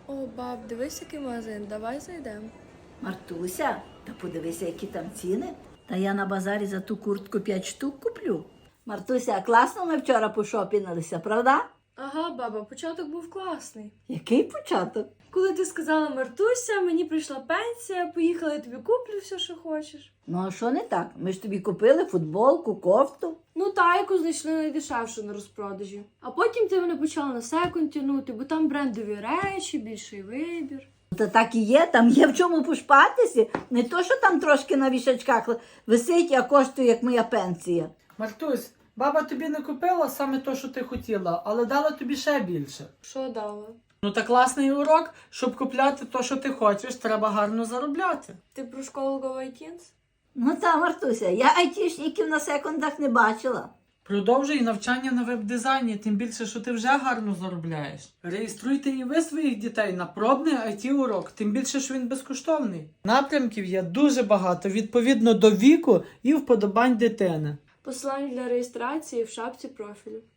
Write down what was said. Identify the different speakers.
Speaker 1: О, баб, дивись, який магазин, давай зайдемо.
Speaker 2: Мартуся, та подивися, які там ціни. Та я на базарі за ту куртку 5 штук куплю. Мартуся, класно ми вчора пошопінилися, правда?
Speaker 1: Ага, баба, початок був класний.
Speaker 2: Який початок?
Speaker 1: Коли ти сказала Мартуся, мені прийшла пенсія, поїхала, я тобі куплю все, що хочеш.
Speaker 2: Ну а що не так? Ми ж тобі купили футболку, кофту.
Speaker 1: Ну та, яку знайшли найдешевшу на розпродажі. А потім ти мене почала на секунд тягнути, бо там брендові речі, більший вибір.
Speaker 2: Та так і є, там є в чому пошпатися. Не то, що там трошки на вішачках висить, а коштує, як моя пенсія.
Speaker 3: Мартусь, баба тобі не купила саме то, що ти хотіла, але дала тобі ще більше.
Speaker 1: Що дала?
Speaker 3: Ну та класний урок, щоб купляти то, що ти хочеш, треба гарно заробляти.
Speaker 1: Ти про школу Go iTunes?
Speaker 2: Ну та, Мартуся, я айтішників на секундах не бачила.
Speaker 3: Продовжуй навчання на веб-дизайні, тим більше, що ти вже гарно заробляєш. Реєструйте і ви своїх дітей на пробний IT-урок, тим більше, що він безкоштовний. Напрямків є дуже багато, відповідно до віку і вподобань дитини.
Speaker 1: Посилання для реєстрації в шапці профілю.